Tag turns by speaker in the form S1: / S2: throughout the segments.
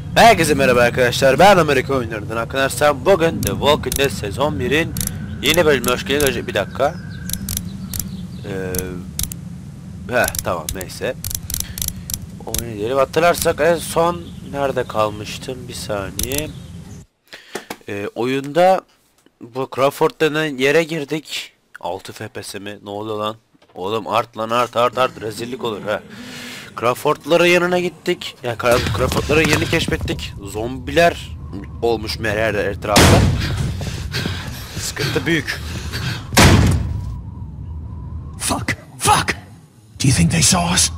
S1: Herkese merhaba arkadaşlar, ben Amerika oyunlarından arkadaşlar. Bugün The Walking Dead sezon 1'in yeni bölümüne hoş geldiniz. Bir dakika. Tamam, neyse. Oynayalım. Hatırlarsak en son nerede kalmıştım, bir saniye. Oyunda bu Crawford denen yere girdik. 6 FPS mi? Ne oluyor lan? Oğlum art rezillik olur ha. Crawford'ların yanına gittik. Yani Crawford'ların yerini keşfettik. Zombiler olmuş her etrafta. Sıkıntı büyük.
S2: Fuck! Do you think they saw us?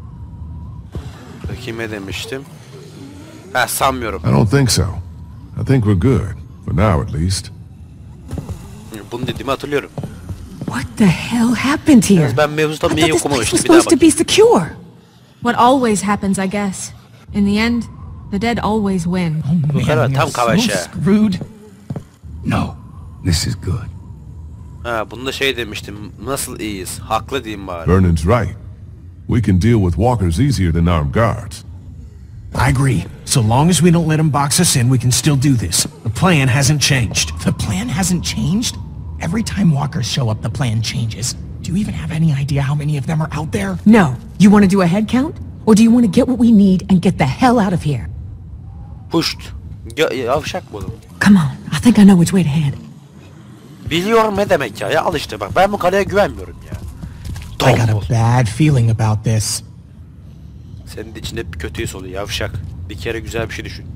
S1: Kime demiştim? Sanmıyorum.
S3: I don't think so. I think we're good. For now, at least.
S1: Bunu dediğimi hatırlıyorum.
S4: What the hell happened here?
S1: Ben mevzuda
S4: I
S1: niye
S4: thought this place
S1: okumamıştım,
S4: was
S1: bir daha
S4: supposed to be secure.
S5: What always happens, I guess. In the end, the dead always win.
S2: Oh man,
S1: kadar
S2: we
S1: tam
S2: are so
S1: kavaşa.
S2: screwed. No, this is good.
S1: Bunda demiştim. Nasıl iyiyiz? Haklı diyeyim bari.
S3: Vernon's right. We can deal with walkers easier than armed guards.
S2: I agree. So long as we don't let them box us in, we can still do this. The plan hasn't changed. The plan hasn't changed? Every time walkers show up, the plan changes. Do you even have any idea how many of them are out there?
S4: No. You want to do a head count? Or do you want to get what we need and get the hell out of here?
S1: Pushed. Yavşak bu.
S4: Come on. I think I know which way to head.
S1: Biliyorum ne demek ya. Al işte bak. Ben bu kaleye güvenmiyorum ya.
S2: I got a bad feeling about this.
S1: Senin de içinde hep bir kötü his oluyor yavşak. Bir kere güzel bir şey düşün.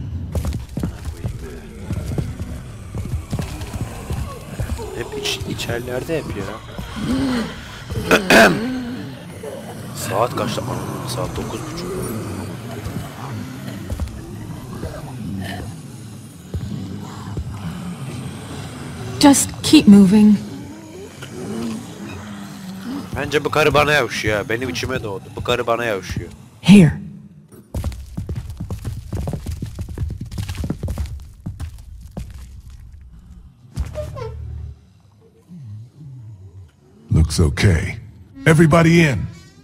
S1: Hep içerlerde hep ya. Saat kaçta? Saat 9:30.
S5: Just keep moving.
S1: Bence bu karı bana yavşıyor. Benim içime doğdu. Bu karı bana yavşıyor.
S4: Here.
S3: Looks okay. Everybody in.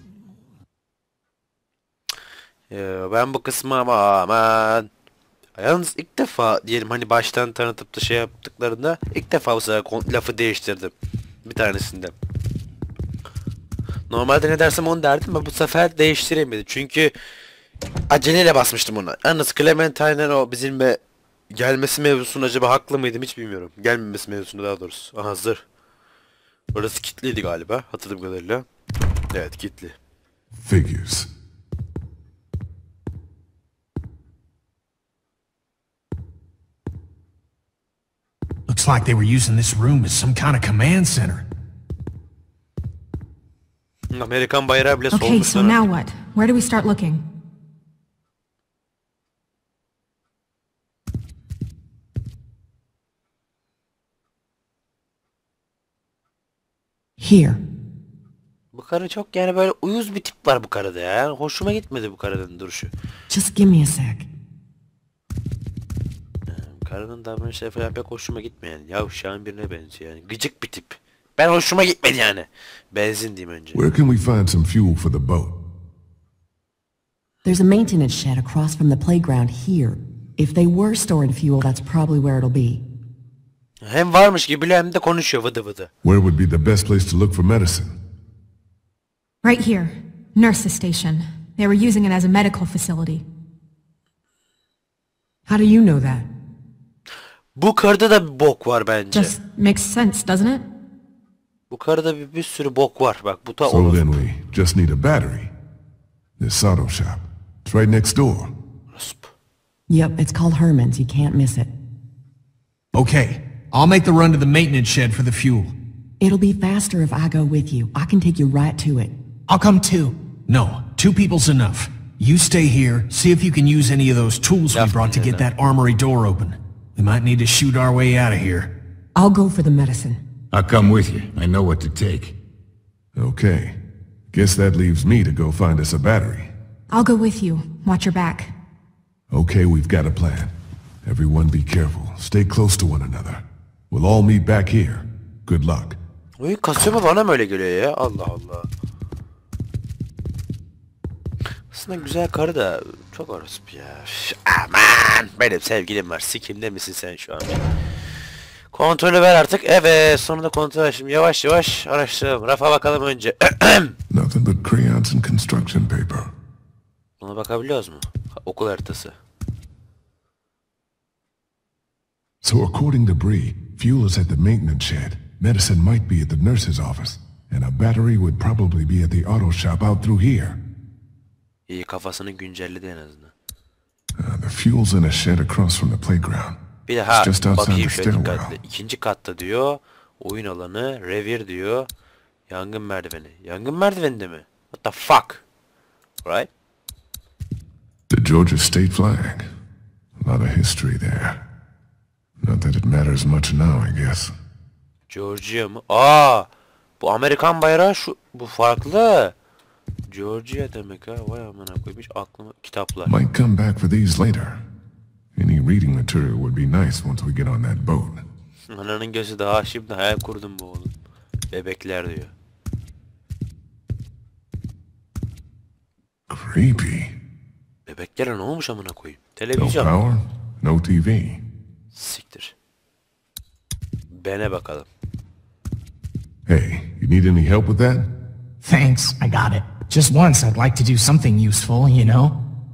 S1: Ben bu kısmı aman. Yalnız ilk defa diyelim hani baştan tanıtıp da yaptıklarında ilk defa bu sefer lafı değiştirdim. Bir tanesinde. Normalde ne dersem onu derdim ama bu sefer değiştiremedim. Çünkü aceleyle basmıştım ona. Yalnız Clementine'ın o bizimle gelmesi mevzusunda acaba haklı mıydım hiç bilmiyorum. Gelmemesi mevzusunda daha doğrusu. Aha zırh. Orası kilitliydi galiba hatırladığım kadarıyla. Evet kilitli.
S3: Figures.
S2: Looks like they were using this room as some kind of command center.
S1: Amerikan bayrağı bile
S5: Okay,
S1: solmuş
S5: so
S1: sana.
S5: now what? Where do we start looking?
S4: Here.
S1: Bu karı çok yani böyle uyuz bir tip var bu karıda ya. Yani hoşuma gitmedi bu karının duruşu.
S4: Just give me a sec.
S1: Karının davranışları falan pek hoşuma gitmeyen. Yavşağın birine benziyor yani. Gıcık bir tip. Ben hoşuma gitmedi yani. Benzin diyeyim önce.
S3: Where can we find some fuel for the boat?
S4: There's a maintenance shed across from the playground here. If they were storing fuel, that's probably where it'll be.
S1: Hem varmış gibi hem de konuşuyor vıdı vıdı.
S3: Where would be the best place to look for medicine?
S5: Right here. Nurse's station. They were using it as a medical facility.
S4: How do you know that?
S1: Bu karıda da bir bok var bence.
S5: Just makes sense, doesn't it?
S1: Bu karıda bir sürü bok var. Bak bu da
S3: So
S1: olur.
S3: then we just need a battery. This auto shop. It's right next door.
S4: Yep, it's called Herman's. You can't miss it.
S2: Okay, I'll make the run to the maintenance shed for the fuel.
S4: It'll be faster if I go with you. I can take you right to it.
S2: I'll come too. No, 2 people's enough. You stay here, see if you can use any of those tools we brought to get that armory door open. We might need to shoot our way out of here.
S4: I'll go for the medicine.
S6: I'll come with you. I know what to take.
S3: Okay. Guess that leaves me to go find us a battery.
S5: I'll go with you. Watch your back.
S3: Okay, we've got a plan. Everyone be careful. Stay close to one another. We'll all meet back here. Good luck.
S1: Uy kasıyor mu bana mı öyle geliyor ya? Allah Allah. Aslında güzel karı da çok orospu ya. Üf, aman benim sevgilim var. Sikimde misin sen şu an? Kontrolü ver artık. Evet, sonunda kontrol açtım. Yavaş yavaş araştıralım. Rafa bakalım önce.
S3: Nothing but crayons and construction paper.
S1: Buna bakabiliyoruz mu? Okul haritası.
S3: So according to Bree, fuel is at the maintenance shed. Medicine might be at the nurse's office. And a battery would probably be at the auto shop out through here.
S1: İyi, kafasını güncelledi en azından.
S3: The fuel's in a shed across from the playground.
S1: Bir de ha,
S3: Just outside
S1: bakayım
S3: the
S1: şöyle
S3: stairwell.
S1: dikkatli. İkinci katta diyor. Oyun alanı, revir diyor. Yangın merdiveni. Yangın merdiveninde mi? What the fuck? Right?
S3: The Georgia state flag. A lot of history there. Not that it matters much now, I guess.
S1: Georgia mı? Aa! Bu Amerikan bayrağı şu. Bu farklı. Georgia demek ha. Vay amına koymuş aklıma kitaplar.
S3: Might come back for these later. Any reading material would be nice once we get on that boat.
S1: Ananın gözü daha şimdi hayal kurdum bu oğlum. Bebekler diyor.
S3: Creepy.
S1: Bebeklere ne olmuş amına koyayım?
S3: No
S1: Televizyon.
S3: power, no TV.
S1: Siktir. Bene bakalım.
S3: Hey, you need any help with that?
S2: Thanks, I got it. Just once I'd like to do something useful, you know?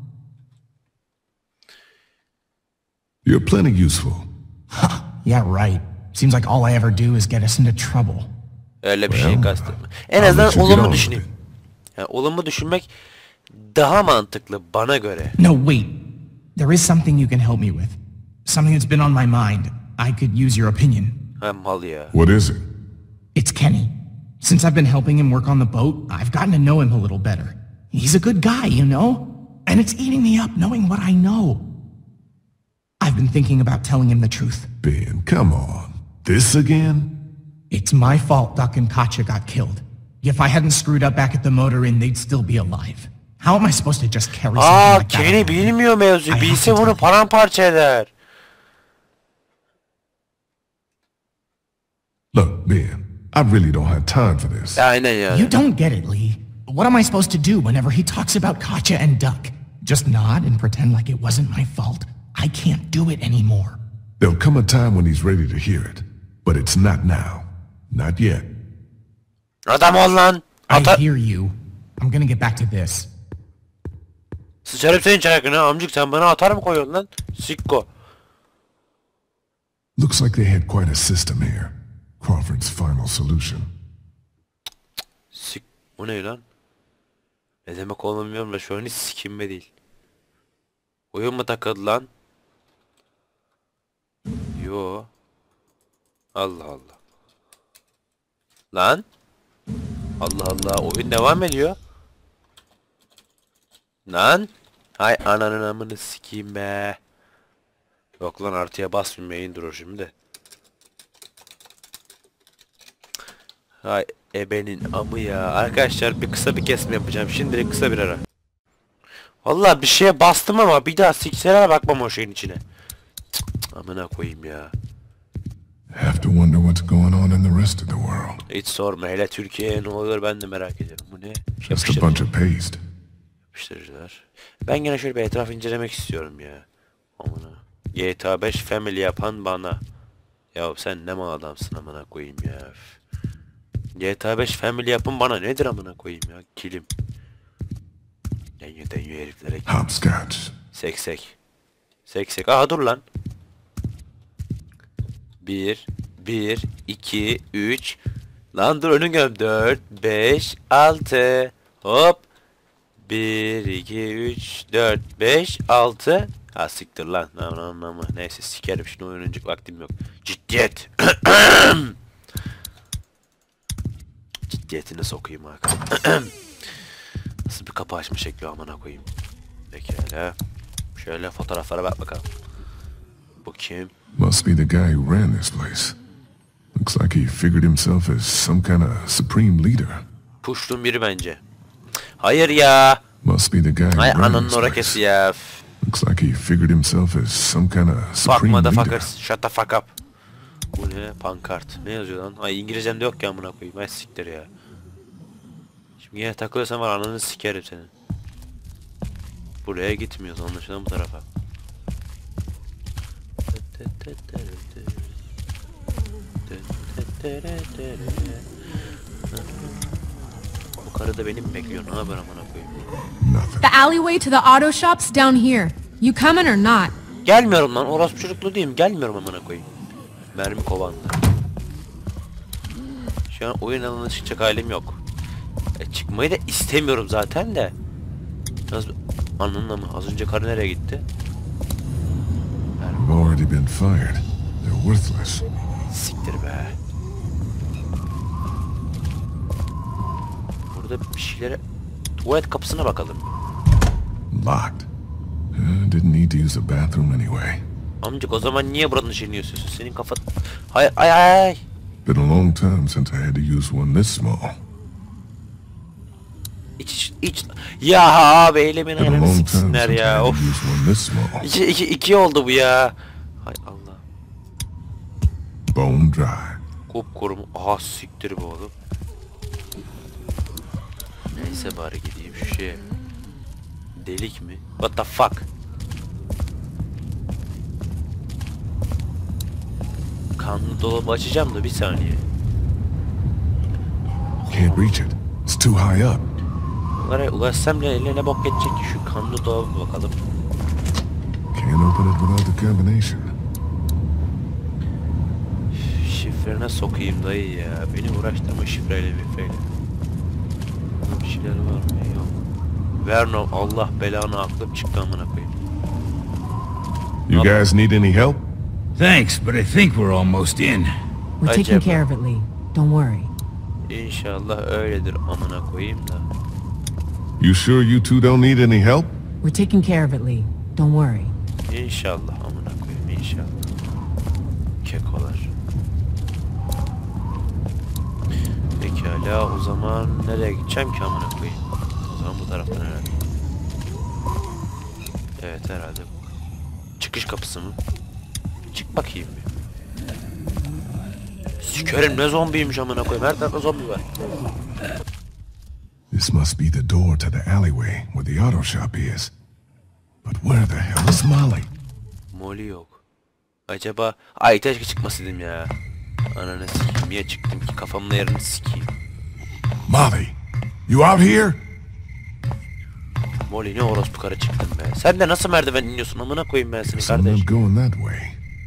S3: You're plenty useful.
S2: Yeah, right. Seems like all I ever do is get us into trouble.
S1: Öyle bir şey
S3: Well,
S1: kastetme. En
S3: I'll
S1: azından
S3: let you get
S1: olumlu
S3: on
S1: düşüneyim.
S3: with it.
S1: Yani olumlu düşünmek daha mantıklı bana göre.
S2: No, wait. There is something you can help me with. Something that's been on my mind. I could use your opinion.
S1: Ha mal ya.
S3: What is it?
S2: It's Kenny. Since I've been helping him work on the boat, I've gotten to know him a little better. He's a good guy, you know? And it's eating me up knowing what I know. I've been thinking about telling him the truth.
S3: Ben, come on. This again?
S2: It's my fault Duck and Katya got killed. If I hadn't screwed up back at the motor inn, they'd still be alive. How am I supposed to just carry something
S1: Aa,
S2: like that
S1: Kenny
S2: around?
S1: bilmiyor mevzuyu.
S2: I have
S1: Bilse
S2: to
S1: bunu
S2: tell him.
S1: paramparça eder.
S3: Look, Ben, I really don't have time for this.
S1: Aynen yani.
S2: You don't get it, Lee. What am I supposed to do whenever he talks about Katya and Duck? Just nod and pretend like it wasn't my fault? I can't do it anymore.
S3: There'll come a time when he's ready to hear it. But it's not now. Not yet.
S1: Adam ol lan.
S2: I
S1: Ata
S2: hear you. I'm gonna get back to this.
S1: Sıçarım senin çarakını amcık, sen bana atar mı koyuyorsun lan? Sikko.
S3: Looks like they had quite a system here. Crawford's final solution.
S1: Sik. Bu ne lan? Ne demek olduğunu bilmiyorum da şu an hiç sikimbe değil. Oyun mu takıldı lan? Yo. Allah Allah. Lan? Allah Allah, oyun devam ediyor. Lan? Hay ananın amını sikeyim be. Yok lan, artıya basmayayım, durur şimdi. Hay ebenin amı ya. Arkadaşlar bir kısa bir kesme yapacağım. Şimdilik kısa bir ara. Vallahi bir şeye bastım ama bir daha sikselere bakmam o şeyin içine. Cık, amına koyayım ya.
S3: Have to wonder what's going on in the rest of the world.
S1: Hiç sorma, hele Türkiye'ye ne oluyor ben de merak ediyorum. Bu ne?
S3: Just a bunch of paste.
S1: Yapıştırıcılar. Ben gene şöyle bir etraf incelemek istiyorum ya. Amına. GTA 5 Family yapan bana. Ya sen ne mal adamsın amına koyayım ya. GTA 5 Family yapın bana nedir amına koyayım ya. Kilim. Deniyor heriflere.
S3: Hopscotch.
S1: Seksek. Seksek. Aha dur lan. 1 2 3. Lan dur, önün gel. 4 5 6. Hop. 1 2 3 4 5 6. Ha siktir lan. Ama neyse sikerim, şimdi oynayacak vaktim yok. Ciddiyet. Ciddiyetine sokayım Hakan. Nasıl bir kapı açma şekli amına koyayım. Pekala. Şöyle fotoğraflara bak bakalım. Bu kim?
S3: Must be the guy who ran this place. Looks like he figured himself as some kind of supreme leader.
S1: Puştun biri bence. Hayır ya.
S3: Must be the guy who
S1: Hay
S3: ran
S1: ananın
S3: this
S1: orakesi
S3: place.
S1: ya.
S3: Looks like he figured himself as some kind of
S1: Fuck
S3: supreme leader.
S1: motherfuckers. Shut the fuck up. Bu ne? Pankart. Ne yazıyor lan? Ay İngilizcem de yok ya amına koyayım. Ay siktir ya. Şimdi yine takılırsan var ananı sikerim senin. Buraya gitmiyoruz, anlaşılan bu tarafa. Bu karı da beni mi bekliyor? Ne haber amına koyayım?
S3: Nothing.
S5: The alleyway to the auto shop's down here. You coming or not?
S1: Gelmiyorum lan, orospu çocuklu değilim. Gelmiyorum amına koyayım. Mermi kovandı. Şu an oyun alanına çıkacak halim yok. Çıkmayı da istemiyorum zaten de. Nasıl anlamına mı? Az önce karı nereye gitti?
S3: They've already been fired. They're worthless.
S1: Siktir be. Burada bir şeylere... Tuvalet kapısına bakalım.
S3: Locked. Didn't need to use the bathroom anyway.
S1: Amcık o zaman niye buranın şeyini yiyorsun? Senin kafa... Hay ay ay.
S3: Been a long time since I had to use one this small.
S1: İç. Ya abi eylemin
S3: Been a
S1: ayarını
S3: long time
S1: siksinler
S3: since I
S1: ya.
S3: had to
S1: Of.
S3: use one this small.
S1: İki oldu bu ya. Hay Allah.
S3: Bone dry.
S1: Kupkuru mu? Aha siktir bu oğlum. Neyse bari gideyim şu şeye. Delik mi? What the fuck? Kanlı dolabı açacağım da bir saniye.
S3: Can't reach it. It's too high up.
S1: Oraya ulaşsam bile eline bok geçecek ki şu kanlı dolabı bakalım.
S3: Can't open it without the combination.
S1: Şifrene sokayım dayı ya. Beni uğraştırma şifreyle mifreyle. Bir şeyler var mı? Yok. Verno Allah belanı aklım çıktı amına koyayım.
S3: You guys need any help?
S6: Thanks, but I think we're almost in.
S4: We're taking
S1: Acaba.
S4: care of it, Lee. Don't worry.
S1: İnşallah öyledir amına koyayım da.
S3: You sure you two don't need any help?
S4: We're taking care of it, Lee. Don't worry.
S1: İnşallah amına koyayım inşallah. Kekolar. Pekala o zaman nereye gideceğim ki amına koyayım? O zaman bu taraftan herhalde. Evet herhalde. Çıkış kapısı mı? Çık bakayım bir. Sikerim ne zombiymiş amına koyayım. Her tarafta zombi var.
S3: This must be the door to the alleyway where the auto shop is. But where the hell is Molly?
S1: Molly yok. Acaba... Ay keşke çıkmasaydım ya. Ananı sikeyim. Niye çıktım ki? Kafamla yerini sikeyim.
S3: Molly, you out here?
S1: Molly ne orospu karı çıktın be. Sen de nasıl merdiven iniyorsun amına koyayım ben seni
S3: Guess I'm
S1: kardeş.
S3: not going that way.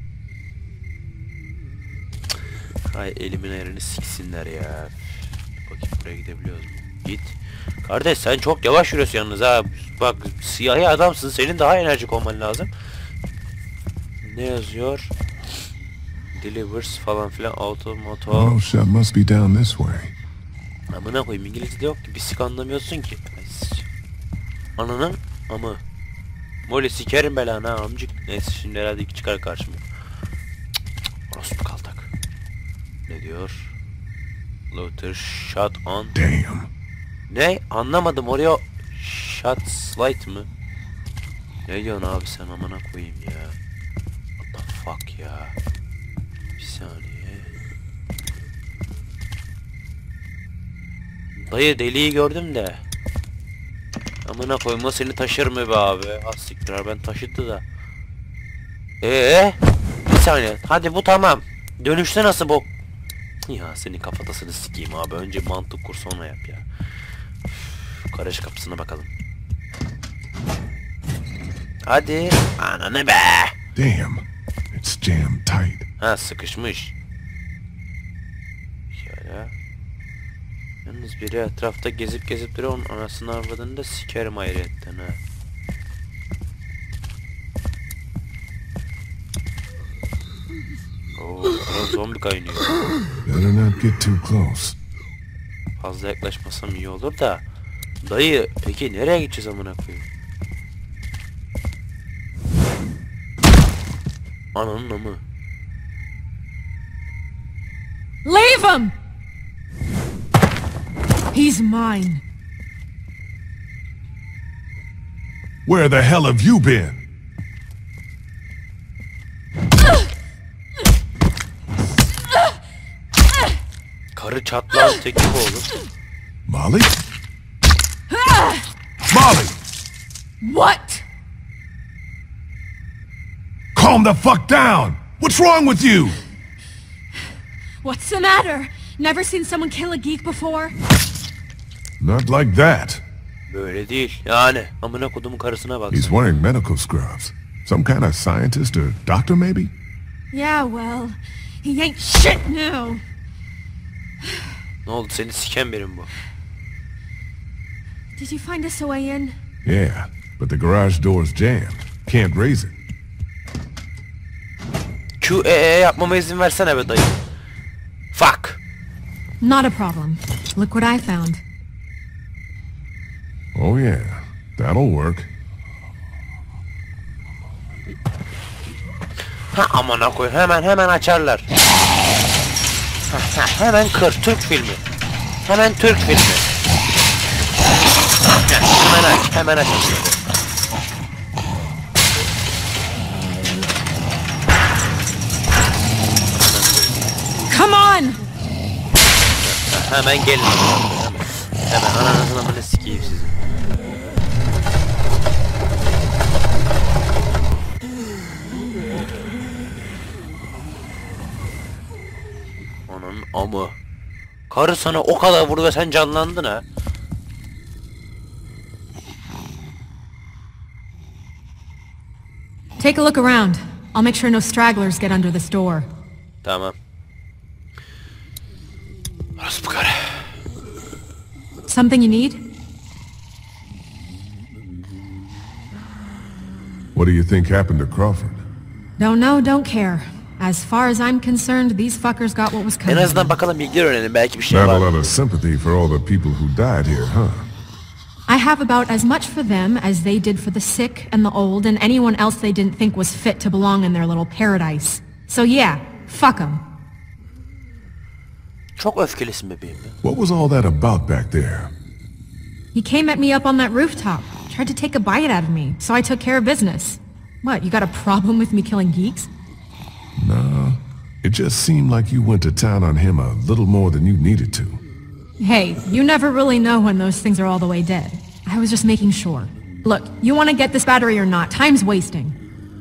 S1: Ay elimin ayarını siksinler ya. Bakayım buraya gidebiliyoruz mu? Git. Kardeş sen çok yavaş yürüyorsun yalnız ha. Bak siyahi adamsın. Senin daha enerjik olman lazım. Ne yazıyor? Delivers falan filan auto moto.
S3: Auto shop must be down this way.
S1: Amına koyayım İngilizce de yok ki. Bir sik anlamıyorsun ki. Ananın amı. Molly sikerim belanı ha amcık. Neyse şimdi herhalde iki çıkar karşıma. Orospu kaltak. Ne diyor? Luther shot on.
S3: Damn.
S1: Ne? Anlamadım oraya shot slide mı? Ne diyorsun abi sen amına koyayım ya? What the fuck ya? Bir saniye. Dayı deliği gördüm de. Amına koyma seni taşır mı be abi? Az siktir ben taşıdı da. Bir saniye. Hadi bu tamam. Dönüşte nasıl bu? Ya senin kafatasını sikeyim abi. Önce mantık kur sonra yap ya. Üf, garaj kapısına bakalım. Hadi. Ananı be.
S3: Damn. It's jammed tight.
S1: Ha sıkışmış. Şöyle. Yalnız biri etrafta gezip duruyor. Onun anasını arvadını da sikerim ayrıyetten ha. Oo, zombi kaynıyor.
S3: Better not get too close.
S1: Fazla yaklaşmasam iyi olur da. Dayı peki nereye gideceğiz amına koyayım? Ananın amı.
S5: Leave him! He's mine.
S3: Where the hell have you been?
S1: Karı çatlağın teki bu oğlum.
S3: Molly? Molly!
S5: What?
S3: Calm the fuck down! What's wrong with you?
S5: What's the matter? Never seen someone kill a geek before?
S3: Not like that.
S1: Böyle değil. Yani amına kodumun karısına bak.
S3: He's wearing medical scrubs. Some kind of scientist or doctor, maybe?
S5: Yeah, well, he ain't shit now.
S1: Ne oldu, seni siken birim bu.
S5: Did you find us a way in?
S3: Yeah, but the garage door's jammed. Can't raise it.
S1: QEE yapmama izin versene be dayı. Fuck.
S5: Not a problem. Look what I found.
S3: Oh yeah, that'll work.
S1: Ha amına koy, hemen açarlar. Hemen kır, Türk filmi. Hemen Türk filmi. Hemen aç.
S5: Come on!
S1: Hemen gelin. Hemen ananızın amına sikeyim sizi. Ananın amı. Karı sana o kadar vurdu ve sen canlandın ha.
S5: Take a look around. I'll make sure no stragglers get under this door.
S1: Tamam. Orası bu kadar.
S5: Something you need?
S3: What do you think happened to Crawford?
S5: Don't know, don't care. As far as I'm concerned, these fuckers got what was
S1: En
S5: coming.
S1: azından bakalım, bilgiler öğrenelim, belki bir şey
S3: Not a
S1: var.
S3: lot of sympathy for all the people who died here, huh?
S5: I have about as much for them as they did for the sick and the old and anyone else they didn't think was fit to belong in their little paradise. So yeah, fuck them.
S1: Çok öfkelisin bebeğim.
S3: What was all that about back there?
S5: He came at me up on that rooftop, tried to take a bite out of me, so I took care of business. What, you got a problem with me killing geeks?
S3: No, it just seemed like you went to town on him a little more than you needed to.
S5: Hey, you never really know when those things are all the way dead. I was just making sure. Look, you want to get this battery or not? Time's wasting.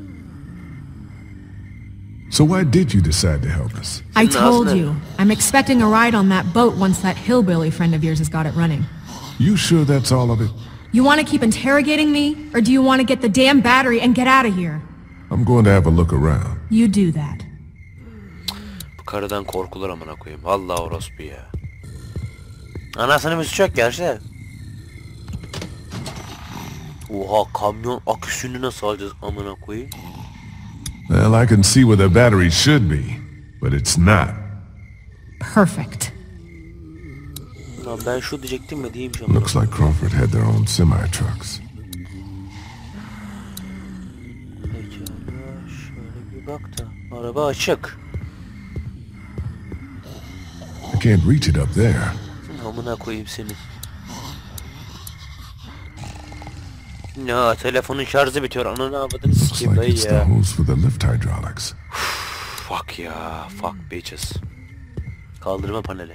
S3: So why did you decide to help us?
S5: I told you. I'm expecting a ride on that boat once that hillbilly friend of yours has got it running.
S3: You sure that's all of it?
S5: You want to keep interrogating me? Or do you want to get the damn battery and get out of here?
S3: I'm going to have a look around.
S5: You do that.
S1: Bu karıdan korkulur amına koyayım. Vallahi orospu ya. Anasını bir suç yok gerçi de. Oha, kamyon aküsünü nasıl alacağız amına koyayım?
S3: Well, I can see where the battery should be, but it's not.
S5: Perfect.
S1: Lan ben şu diyecektim mi diyeyim şu.
S3: Looks like Crawford had their own semi-trucks.
S1: Pekala, şöyle bir bak da. Araba açık.
S3: I can't reach it up there.
S1: Amına koyayım seni. Ya telefonun şarjı bitiyor. Ananı avradını
S3: Looks
S1: sikeyim
S3: like
S1: dayı
S3: it's the
S1: ya.
S3: hose for the lift hydraulics.
S1: Fuck ya. Fuck bitches. Kaldırma paneli.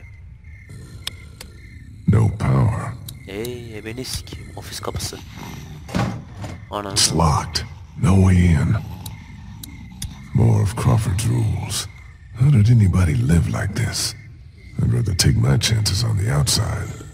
S3: No power.
S1: Beni sikeyim. Ofis kapısı. Ananı.
S3: It's locked. No way in. More of Crawford's rules. How did anybody live like this? I'd rather take my chances on the outside.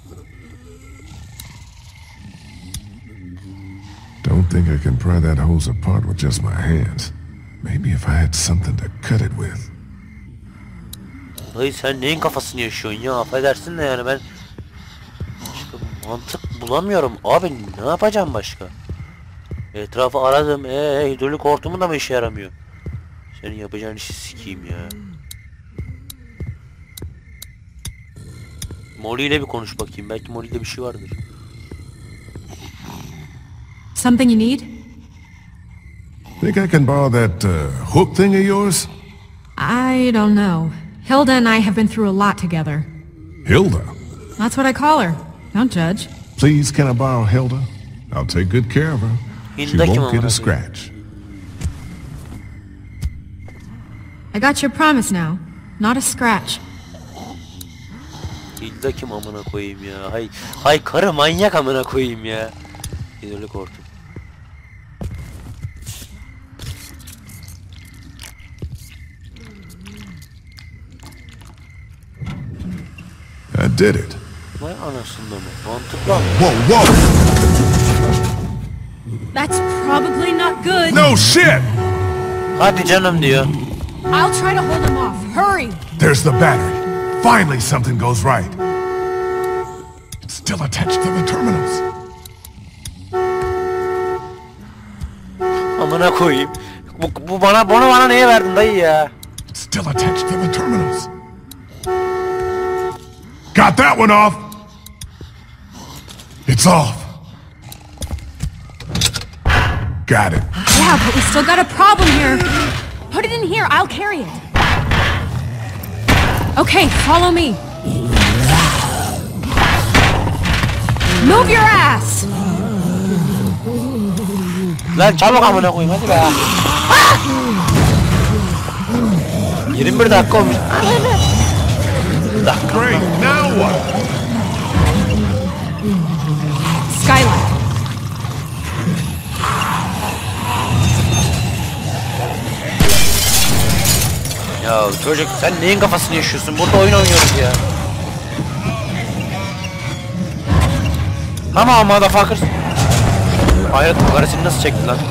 S3: Don't think I can pry that hose apart with just my hands. Maybe if I had something to cut it with.
S1: Dayı sen neyin kafasını yaşıyorsun ya? Affedersin de yani ben... Başka mantık bulamıyorum. Abi ne yapacağım başka? Etrafı aradım. Hidrolik hortumu da mı işe yaramıyor? Senin yapacağın işi sikeyim ya. Molly ile bir konuş bakayım. Belki Molly'de bir şey vardır.
S5: Something you need?
S3: Think I can borrow that hook thing of yours?
S5: I don't know. Hilda and I have been through a lot together.
S3: Hilda?
S5: That's what I call her. Don't judge.
S3: Please, can I borrow Hilda? I'll take good care of her. She
S1: Hilda kim
S3: won't get
S1: amına
S3: a scratch.
S5: I got your promise now. Not a scratch.
S1: Hilda kim amına koyayım ya? Hay karı manyak amına koyayım ya. Hidrolik hortum.
S3: did it.
S1: Vay anasında mı? Mantıklı abi.
S3: Whoa, whoa!
S5: That's probably not good.
S3: No shit!
S1: Hadi canım diyor.
S5: I'll try to hold him off. Hurry!
S3: There's the battery. Finally something goes right. It's still attached to the terminals.
S1: Amına koyayım. Bunu bana neye verdin dayı ya?
S3: It's still attached to the terminals. Got that one off. It's off. Got it.
S5: Yeah, but we still got a problem here. Put it in here. I'll carry it. Okay, follow me. Move your ass!
S1: Lan çabuk amına koyayım hadi be. 21 dakika olmuş.
S3: Great, now what?
S5: Skylight.
S1: Ya çocuk sen neyin kafasını yaşıyorsun? Burada oyun oynuyoruz ya. Ama motherfucker. Hayret karesini nasıl çekti lan?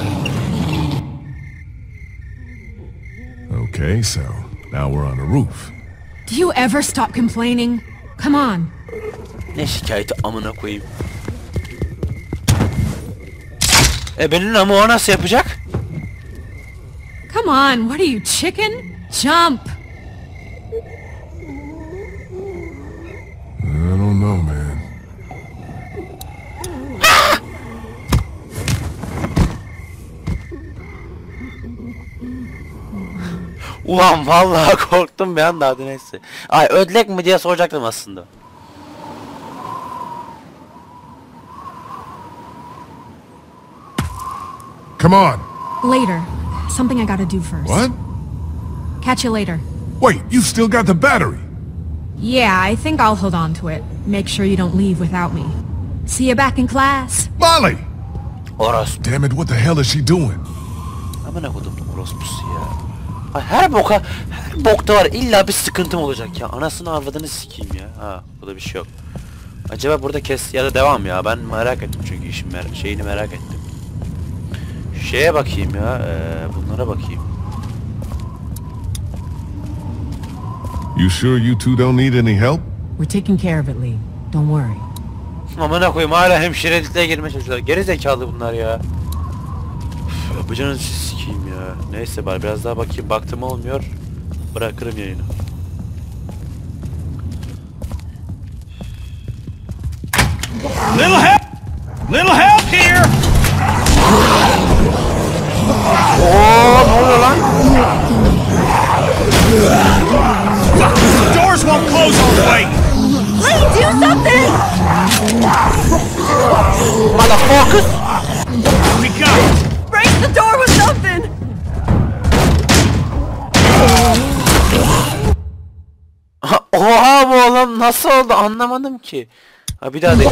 S3: Okay, so now we're on a roof.
S5: Do you ever stop complaining? Come on.
S1: Ne şikayeti amına koyayım. Benim ama o nasıl yapacak?
S5: Come on, what are you, chicken? Jump!
S3: I don't know, man.
S1: Ulan vallahi korktum bir anda hadi neyse. Ay ödlek mi diye soracaktım aslında.
S3: Come on.
S5: Later. Something I gotta do first.
S3: What?
S5: Catch you later.
S3: Wait, you still got the battery.
S5: Yeah, I think I'll hold on to it. Make sure you don't leave without me. See you back in class.
S3: Molly!
S1: Orospu.
S3: Damn it, what the hell is she doing?
S1: Amına kodum orospusu ya. Ay her bokta var illa bir sıkıntım olacak ya. Anasını avradını sikeyim ya. Ha burada bir şey yok. Acaba burada kes ya da devam ya. Ben merak ettim çünkü işin şeyini merak ettim. Şeye bakayım ya. Bunlara bakayım.
S3: You sure you two don't need any help?
S4: We're taking care of it, Lee. Don't worry.
S1: Amına koyayım hala hemşirelikle girmeye çalışıyorlar. Geri zekalı bunlar ya. Üf, yapacağınız işi sikeyim ya. Neyse bari biraz daha bakayım. Baktım olmuyor. Bırakırım yayını.
S6: Little help here!
S1: Oo ne oluyor lan?
S6: The doors won't close all the way!
S5: Lee, do something!
S1: Motherfucker!
S6: We got it!
S5: Break the door with something!
S1: Oha bu oğlum nasıl oldu anlamadım ki. Ha bir daha de.
S6: The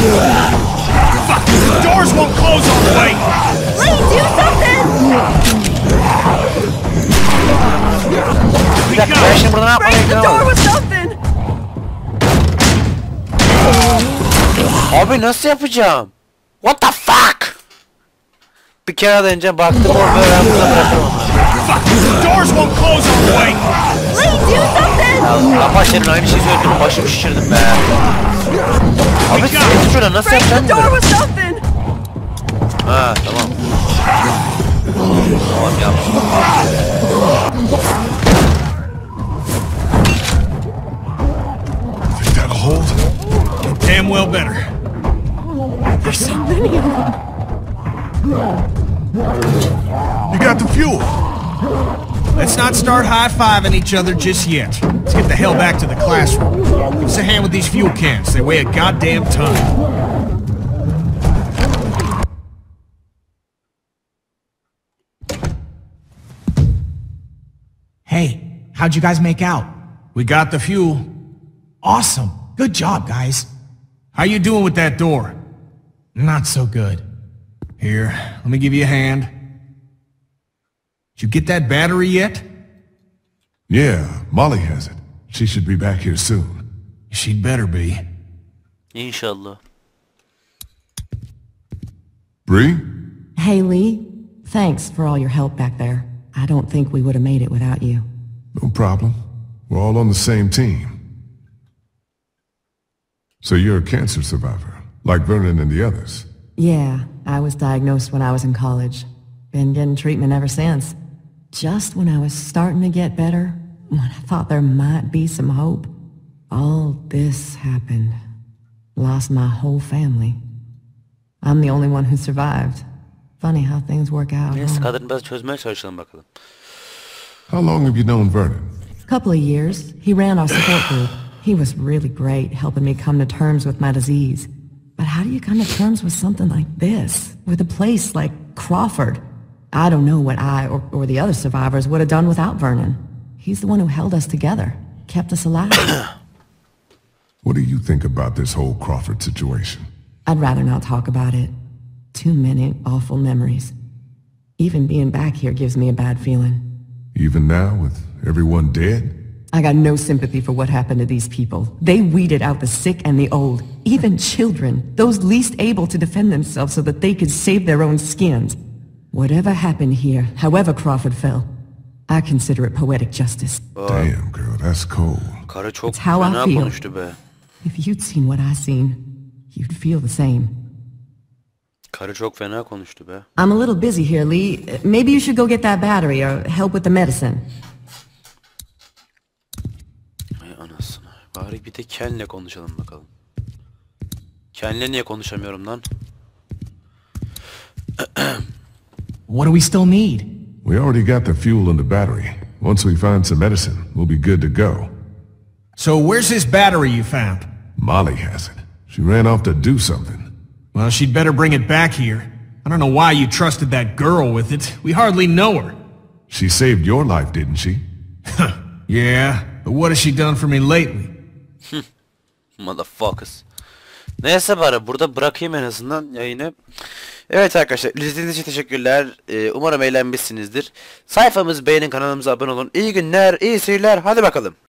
S6: doors won't close all the way!
S5: Lee, do something!
S1: Bir dakika ben şimdi burada ne yapmaya
S5: Break the door
S1: gidiyorum?
S5: with something!
S1: Abi nasıl yapacağım? What the fuck? Bir kere önce baktım orada ben burada bırakırım onu.
S6: The doors won't close all the way!
S5: Lee, do something!
S1: Ya kapat senin aynı şeyi söyledim başımı şişirdim be. Abi sıkıntı şurada nasıl
S5: Break
S1: yapacağım
S5: the door
S1: bunu?
S5: with something!
S1: Ha tamam. Tamam yapmışım.
S3: Think that'll hold?
S6: Damn well better.
S5: There's so many of them.
S3: You got the fuel.
S6: Let's not start high-fiving each other just yet. Let's get the hell back to the classroom. Give us a hand with these fuel cans. They weigh a goddamn ton.
S2: Hey, how'd you guys make out?
S6: We got the fuel.
S2: Awesome. Good job, guys.
S6: How you doing with that door?
S2: Not so good.
S6: Here, let me give you a hand. Did you get that battery yet?
S3: Yeah, Molly has it. She should be back here soon.
S6: She'd better be.
S1: İnşallah.
S3: Bree?
S4: Hey, Lee. Thanks for all your help back there. I don't think we would have made it without you.
S3: No problem. We're all on the same team. So you're a cancer survivor, like Vernon and the others.
S4: Yeah, I was diagnosed when I was in college. Been getting treatment ever since. Just when I was starting to get better, when I thought there might be some hope, all this happened. Lost my whole family. I'm the only one who survived. Funny how things work out.
S1: Neyse
S4: Huh?
S1: kadını biraz çözmeye çalışalım bakalım.
S3: How long have you known Vernon?
S4: Couple of years. He ran our support group. He was really great, helping me come to terms with my disease. But how do you come to terms with something like this? With a place like Crawford? I don't know what I or the other survivors would have done without Vernon. He's the one who held us together, kept us alive.
S3: What do you think about this whole Crawford situation?
S4: I'd rather not talk about it. Too many awful memories. Even being back here gives me a bad feeling.
S3: Even now, with everyone dead?
S4: I got no sympathy for what happened to these people. They weeded out the sick and the old, even children, those least able to defend themselves so that they could save their own skins. Whatever happened here, however Crawford fell, I consider it poetic justice.
S3: Damn, girl, that's cold.
S1: Karı çok
S4: It's how I
S1: fena
S4: feel.
S1: konuştu be.
S4: If you'd seen what I seen, you'd feel the same.
S1: Karı çok fena konuştu be.
S4: I'm a little busy here, Lee. Maybe you should go get that battery or help with the medicine.
S1: Ay anasını. Bari bir de Ken'le konuşalım bakalım. Ken'le niye konuşamıyorum lan?
S2: What do we still need?
S3: We already got the fuel and the battery. Once we find some medicine, we'll be good to go.
S6: So where's this battery you found?
S3: Molly has it. She ran off to do something.
S6: Well, she'd better bring it back here. I don't know why you trusted that girl with it. We hardly know her.
S3: She saved your life, didn't she?
S6: Yeah, but what has she done for me lately?
S1: Motherfuckers. Neyse bari burada bırakayım en azından yayını. Evet arkadaşlar, izlediğiniz için teşekkürler. Umarım eğlenmişsinizdir. Sayfamızı beğenin, kanalımıza abone olun. İyi günler, iyi seyirler. Hadi bakalım.